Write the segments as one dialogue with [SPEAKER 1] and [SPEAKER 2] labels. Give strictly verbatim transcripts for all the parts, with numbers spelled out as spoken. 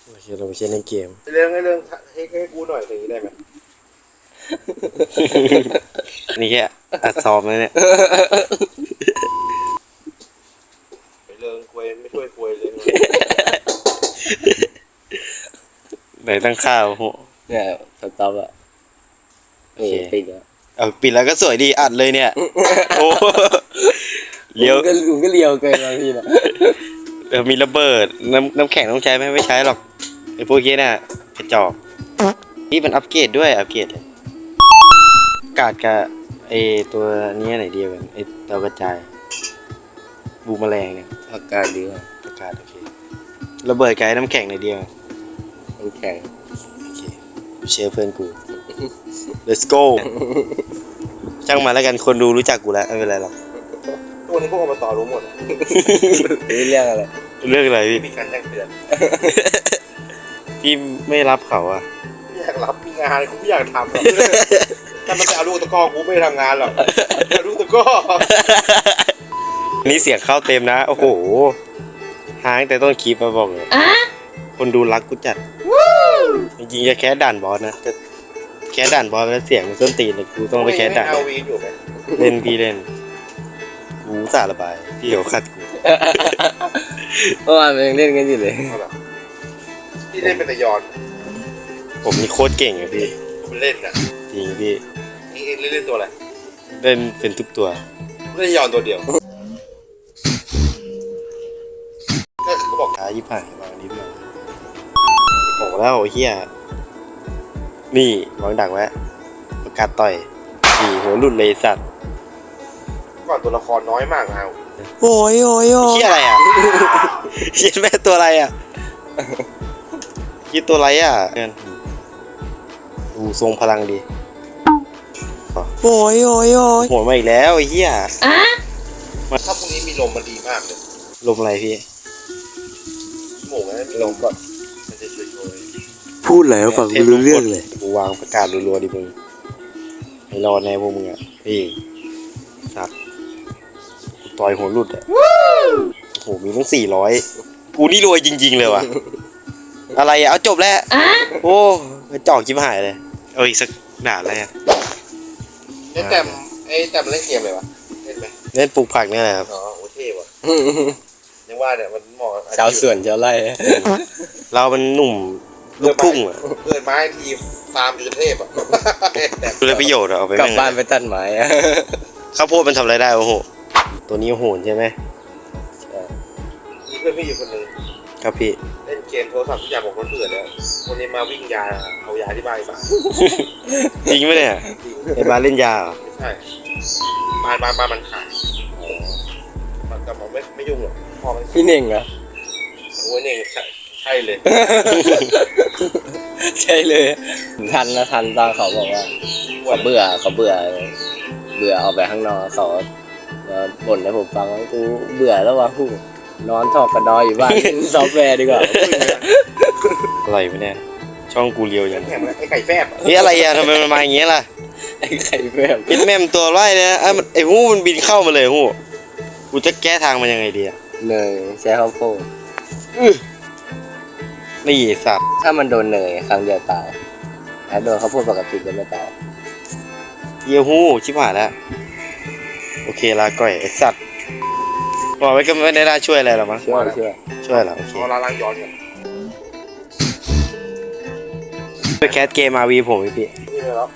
[SPEAKER 1] โอเคเราไปเล่นในเกม
[SPEAKER 2] เรื่องให้เรื่องให้ให้กูหน่อยอย่างนี้ได้ไหม
[SPEAKER 1] นี่แค่อัดซ้อมเลยเนี่ย
[SPEAKER 2] ไปเรื่องคุยไม่ช่วยคุยเลย
[SPEAKER 1] ไหนตั้งค่าโอ้โห
[SPEAKER 3] เนี่ยสต็อปอะนี่ปิดแล้ว
[SPEAKER 1] เอาปิดแล้วก็สวยดีอัดเลยเนี่ยโอ้เลี้ยว
[SPEAKER 3] ก็ลุงก็เลี้ยวเกินบางทีนะ
[SPEAKER 1] เออมีระเบิดน้ำน้ำแข็งต้องใช้ไหมไม่ใช้หรอกไอ้พวกนี้น่ะกระจอกนี่มันอัปเกรดด้วยอัปเกรดเลยกาดกับไอ้ตัวนี้ไหนเดียวกันไอ้ดาวกระจายบูมแมลงเนี่ย
[SPEAKER 3] อากาศดีอ่ะ
[SPEAKER 1] อากาศโอเคระเบิดไกลน้ำแข็งไหนเดียว
[SPEAKER 3] น้ำแข็ง
[SPEAKER 1] โอเคเชียร์เพื่อนกู let's go ช่างมาแล้วกันคนดูรู้จักกูแล้วไม่เป็นไรหรอก
[SPEAKER 2] ตัวนี้พวกอบตรู้หมด
[SPEAKER 3] นี่เรื่องอะไร
[SPEAKER 1] เรื่องอะไรพี่
[SPEAKER 2] มีการแจ้งเตือน
[SPEAKER 1] พี่ไม่รับเขาอะ
[SPEAKER 2] ไม่อยากรับมีงานกูไม่อยากทำหรอกถ้ามันจะเอาลูกตะก้อกูไม่ทำงานหรอกเอาลูกตะก้อ
[SPEAKER 1] นี่เสียงเข้าเต็มนะโอ้โหหางแต่ต้นคลิปมาบอกเลยคนดูรักกูจัดจริงๆจะแค่ด่านบอสนะจะแค่ด่านบอสแล้วเสียงมันส้นตีนเลยกูต้องไปแค่ด่านเล่นพี่เล่นกูสาระบายพี่เดี๋ยวขัดกู
[SPEAKER 3] เมื่อวานมันยังเล่นกันอยู่เลย
[SPEAKER 2] พี่เล่นเป็นตะยอน
[SPEAKER 1] ผมนี่โคตรเก่งอะพี่
[SPEAKER 2] ผมเล่นอะ
[SPEAKER 1] จริงพี่
[SPEAKER 2] นี่เล่นเล่นตัวอะไร
[SPEAKER 1] เล่นเป็นทุกตัว
[SPEAKER 2] เล่นยอนตัวเดียวก็เขาบอก
[SPEAKER 1] ท้ายี่ห้าบางนิดหน่อยบอกแล้วเฮียนี่วางดักไว้ประกาศต่อยนี่หัวหลุดเลยสัตว์
[SPEAKER 2] ก่อนตัวละครน้อยมากเอา
[SPEAKER 1] โอ้ยโอ้ยโอ้ยคิดอะไรอ่ะคิดแม่ตัวอะไรอ่ะคิดตัวอะไรอ่ะดูทรงพลังดีโอ้ยโอ้ยโอ้ยหัวมาอีกแล้วไอ้เหี้ย
[SPEAKER 2] ถ้าพรุ่งนี้มีลมมันดีมากเลย
[SPEAKER 1] ลมอะไรพี่
[SPEAKER 2] หมูนะมีลมก่อนมันจะช่วย
[SPEAKER 1] พูดแล้วฟังไม่รู้เรื่องเลยกูวางประกาศรัวๆดิมึงให้รอดแน่พวกมึงอ่ะพี่สัตว์ต่อยหัวหลุดอ่ะโอ้โหมีตั้งสี่ร้อยกูนี่รวยจริงๆเลยว่ะอะไรอ่ะเอาจบแล้วโอ้กระจอกจิ้มหายเลยเอาอีกสักด่าอะไรอ่ะ
[SPEAKER 2] ไอ้แต้มไอ้แต้มเล่นเกมเลยวะเล่นไหม
[SPEAKER 1] เล่นปลูกผักนี่แหละครับ
[SPEAKER 2] อ๋อโอเท่ว่ะยังว่าเนี่ยมันเหมาะ
[SPEAKER 3] ชาวสวนชาวไร่
[SPEAKER 1] เรามันหนุ่มลูกทุ่งอ่ะ
[SPEAKER 2] เกิดไม้ทีฟาร์มอยู่เทพอ่ะ
[SPEAKER 1] ดูแลประโยชน์เอาไป
[SPEAKER 3] กลับบ้านไปตัดไม้
[SPEAKER 1] ข้าวโพดมันทำอะไรได้โอ้โหตัวนี้โหนใช่ไหม
[SPEAKER 2] อีเพื่อนพี่อยู่คนหนึ่ง
[SPEAKER 1] ครับพี่
[SPEAKER 2] เล่นเกมโทรศัพท์ทุกอย่างบอกมันเบื่อแล้ววันนี้มาวิ่งยาเอายาที่บ้านไป
[SPEAKER 1] จริงไหมเนี่ยไอ้บ้านเล่นยาเหรอ
[SPEAKER 2] ไม่ใช่บ้านบ้านบ้านมันขายมันแต่บอกไม่ไม่ยุ่งหรอกพอ
[SPEAKER 3] พี่เน่งเหรอ
[SPEAKER 2] โอ้ยเน่งใช่ใช่เลย
[SPEAKER 3] ใช่เลยทันนะทันตอนเขาบอกว่าเขาเบื่อเขาเบื่อเบื่อออกไปข้างนอกเขาบ่นให้ผมฟังว่ากูเบื่อแล้ววะกูนอนทอกกระดอยอยู่บ้านซอฟต์แวร์ดีกว่า
[SPEAKER 1] อะไรวะเนี่ยช่องกูเลียวยัง
[SPEAKER 2] ไอ้ไข่แฟบ
[SPEAKER 1] นี่อะไรอ่ะทำไมมันมาอย่างเงี้ยล่ะ
[SPEAKER 3] ไอ้ไข่แฟบ
[SPEAKER 1] เป็นแม่มตัวไร่เนี่ยไอ้ไอ้หูมันบินเข้ามาเลยหูกูจะแก้ทางมันยังไงดีอ่ะ
[SPEAKER 3] เนยใช้ข้าวโพด
[SPEAKER 1] นี่สัตว์
[SPEAKER 3] ถ้ามันโดนเนยครั้งเดียวตายถ้าโดนข้าวโพดปกติก็ไม่ตาย
[SPEAKER 1] เยี่ยหูชิบหายแล้วโอเคลาก่อยไอ้สัตว์บอกไว้ก็ไม่ได้ช่วยอะไรหรอกมั้ง
[SPEAKER 3] ช่วยช่วย
[SPEAKER 1] ช่วยหรอโอเค
[SPEAKER 2] ล้างย้อนกัน
[SPEAKER 1] ไปแคสเกมอาวีผมพี่
[SPEAKER 2] นี่เลยครับ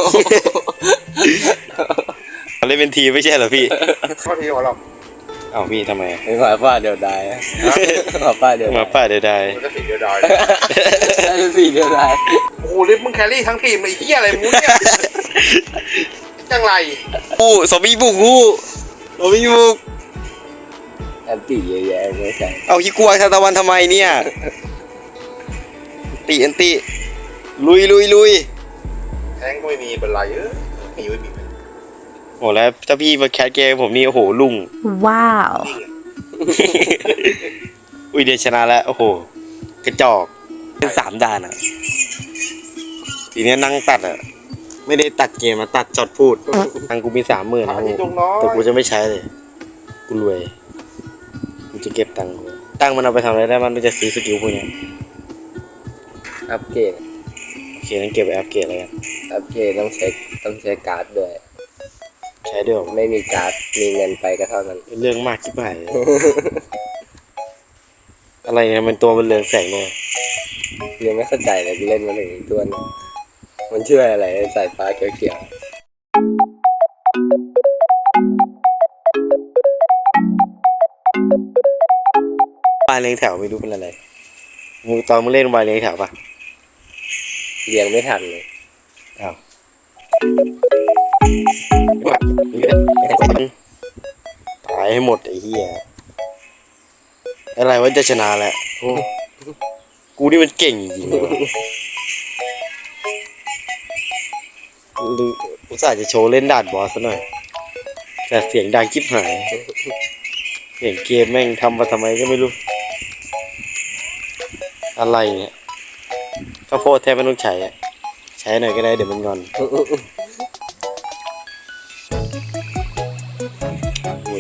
[SPEAKER 1] เล่นเป็นทีไม่ใช่เหรอพี่
[SPEAKER 2] ข้อทีของเรา
[SPEAKER 1] เอ้าพี่ทำไม
[SPEAKER 3] ไม่หมาป้าเดียวดายหมาป้าเดียว
[SPEAKER 1] หมาป้าเดียวดาย
[SPEAKER 2] มันก็สีเดียวดาย
[SPEAKER 3] สีเดียวดาย
[SPEAKER 2] โอ้โหลิฟมึงแครี่ทั้งทีมไอ้เหี้ยอะไรมึงเนี่ยจังไร
[SPEAKER 1] อู้สมีบุกอู้สมีบุก
[SPEAKER 3] แอนตี้เยอะแยะไม่ใช่
[SPEAKER 1] เอาฮิกัวทานตะวันทำไมเนี่ยตีแอนตี้ลุยลุยลุย
[SPEAKER 2] แทงก็ไม่มีเป็นไรเออมีไม่มี
[SPEAKER 1] โอ้แล้วถ้าพี่มาแคสเกมผมนี่โอ้โหลุง
[SPEAKER 4] ว้าว
[SPEAKER 1] อุ้ยเดี๋ยวชนะแล้วโอ้โหกระจอกเป็นสามด่านอ่ะทีนี้นั่งตัดอ่ะไม่ได้ตัดเกมมาตัดจอดพูดทางกูมีสามหมื่นนะแต่กูจะไม่ใช้เลยกูรวยกูจะเก็บตังค์ตังค์มันเอาไปทำอะไรได้มันไม่จะซื้อสกิลพวกนี้
[SPEAKER 3] อัปเกรด
[SPEAKER 1] โอเคงั้นเก็บไว้อัปเกรดอะไรกัน
[SPEAKER 3] อัปเกรดต้องใช้ต้องใช้การ์ดด้วย
[SPEAKER 1] ใช้ด้วยเหรอ
[SPEAKER 3] ไม่มีการ์ดมีเงินไปก็เท่านั้น
[SPEAKER 1] เรื่องมากชิบหายเลย อะไรเนี่ยมันตัวมันเรืองแสงเลย
[SPEAKER 3] ยังไม่เข้าใจเลยกูเล่นมาถึงอีกตัวหนึงมันช่วยอะไรสายฟ้าเขียว
[SPEAKER 1] วายเรียงแถวไม่รู้เป็นอะไรมึงตอนมึงเล่นวายเรียงแถวปะ
[SPEAKER 3] ๆเรียงไม่ทันเลย
[SPEAKER 1] อ้าวตายให้หมดไอ้เหี้ยอะไรวะจะชนะแหละโอ้กูนี่มันเก่งจริงๆเลยวะลืออุตส่าห์จะโชว์เล่นด่านบอสซะหน่อยแต่เสียงดังชิบหายเสียงเกมแม่งทำมาทำไมก็ไม่รู้อะไรเนี่ยข้าวโพดแทบไม่ต้องใช้อะใช้หน่อยก็ได้เดี๋ยวมันงอนอุ้ย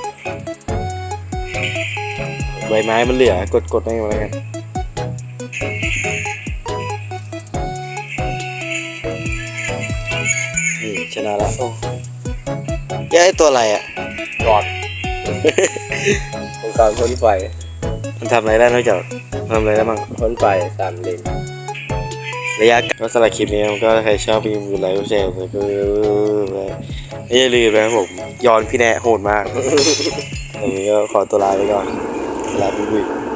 [SPEAKER 1] ใบไม้มันเหลือกดกดได้มาแล้วกันนี่ชนะแล้วโอ้ยไอ้ตัวอะไรอ่ะ
[SPEAKER 3] รอดองค์กรพ่นไฟ
[SPEAKER 1] มันทำอะไรได้นอกจากทำอะไรได้บ้าง
[SPEAKER 3] พ่นไฟสามเลน
[SPEAKER 1] ระยะก็สำหรับคลิปนี้มันก็ใครชอบมีมือไลค์ก็แชร์ไปก็อย่าลืมนะครับผมย้อนพี่แนะโหดมาก วันนี้ก็ขอตัวลาไปก่อนลาบุย